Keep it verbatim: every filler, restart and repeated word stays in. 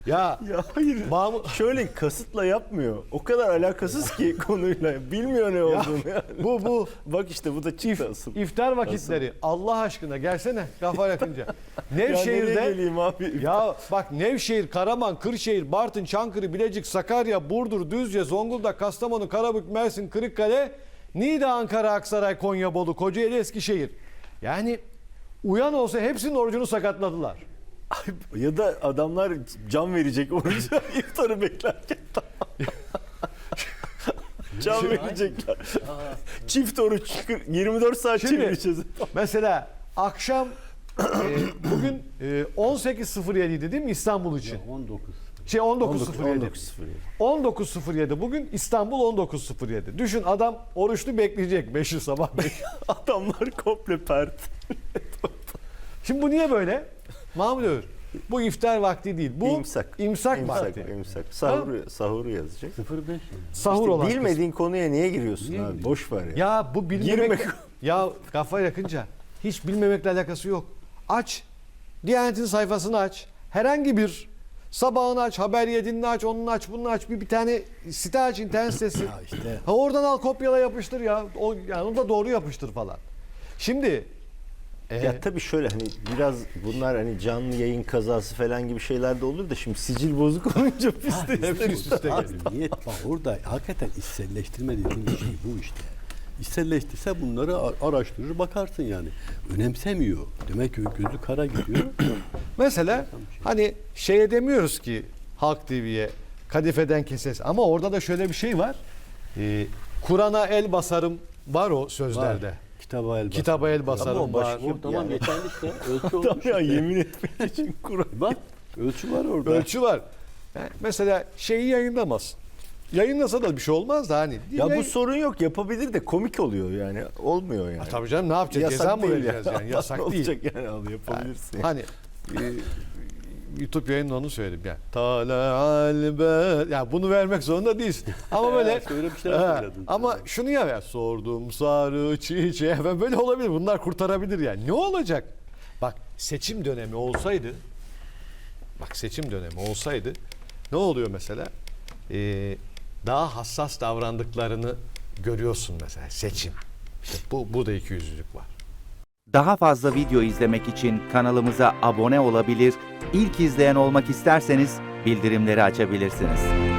Ya, Ya hayır. Mahmut, Şöyle kasıtla yapmıyor. O kadar alakasız ki konuyla. Bilmiyor ne olduğunu yani. bu bu Bak işte bu da çıktı asıl. iftar vakitleri. Allah aşkına gelsene kafa yakınca. Ya nereye Nevşehir'de geleyim abi? ya bak Nevşehir, Karaman, Kırşehir, Bartın, Çankırı, Bilecik, Sakarya, Burdur, Düzce, Zonguldak, Kastamonu, Karabük, Mersin, Kırıkkale, Niğde, Ankara, Aksaray, Konya, Bolu, Kocaeli, Eskişehir. Yani uyan olsa hepsinin orucunu sakatladılar. Ya da adamlar can verecek oruca iftarı beklerken. Can verecekler. Çift oruç yirmi dört saat Şimdi- çevireceğiz. Mesela akşam e, bugün e, on sekiz sıfır yedi idi değil mi İstanbul için? on dokuz. Şey on dokuz sıfır yedi. on dokuz sıfır yedi. on dokuz sıfır yedi bugün İstanbul on dokuz sıfır yedi. Düşün adam oruçlu bekleyecek beşi sabah beş. Adamlar komple pert. Şimdi bu niye böyle? Mahmut Övür, bu iftar vakti değil. Bu İmsak. imsak, İmsak, vakti. imsak. Sahuru, sahuru yazacak. sıfır beş. Sahur İşte olan kısmı. bilmediğin konuya niye giriyorsun abi? Boş ver ya. Ya bu bilmemek... Girme. Ya kafa yakınca hiç bilmemekle alakası yok. Aç. Diyanet'in sayfasını aç. Herhangi bir sabahını aç, haber yedinini aç, onun aç, bunun aç. Bir, bir tane site aç, internet sitesi. Ya işte Ha oradan al kopyala yapıştır ya. O, yani onu da doğru yapıştır falan. Şimdi e, Ya tabii şöyle hani biraz bunlar hani canlı yayın kazası falan gibi şeyler de olur da şimdi sicil bozuk olunca biz de hepsi üst üste abi, geliyor. niyet bak orada hakikaten içselleştirme dediğim şey bu işte. İçselleştirse bunları a- araştırır bakarsın yani. Önemsemiyor. Demek ki gözü kara gidiyor. Mesela hani şeye demiyoruz ki Halk T V'ye kadifeden keses ama orada da şöyle bir şey var. Ee, Kur'an'a el basarım var o sözlerde. Var. Kitaba el basar. Kitaba el Ama basarım o var. başka- O tamam Yani. yeterli işte. Ölçü Tamam olmuş ya işte. yemin etmek için Kur'an. Bak ölçü var orada. Ölçü var. Yani mesela şeyi yayınlamaz. Yayınlasa da bir şey olmaz da hani. Ya bu Yayın- sorun yok yapabilir de komik oluyor yani. Olmuyor yani. Ha, tabii canım ne yapacağız? Ceza mı değil vereceğiz ya. yani? Yasak değil. Olacak yani al yapabilirsin. Hani e, YouTube yayında onu söyledim yani. Tala'al be. Ya bunu vermek zorunda değilsin. Ama böyle Evet, öyle bir şeyler Ha, söyledin. ama şunu ya ver. Sordum sarı çiçeğe ve böyle olabilir. Bunlar kurtarabilir yani. Ne olacak? Bak seçim dönemi olsaydı bak seçim dönemi olsaydı ne oluyor mesela? Ee, daha hassas davrandıklarını görüyorsun mesela seçim. İşte bu, bu da ikiyüzlülük var. Daha fazla video izlemek için kanalımıza abone olabilir, ilk izleyen olmak isterseniz bildirimleri açabilirsiniz.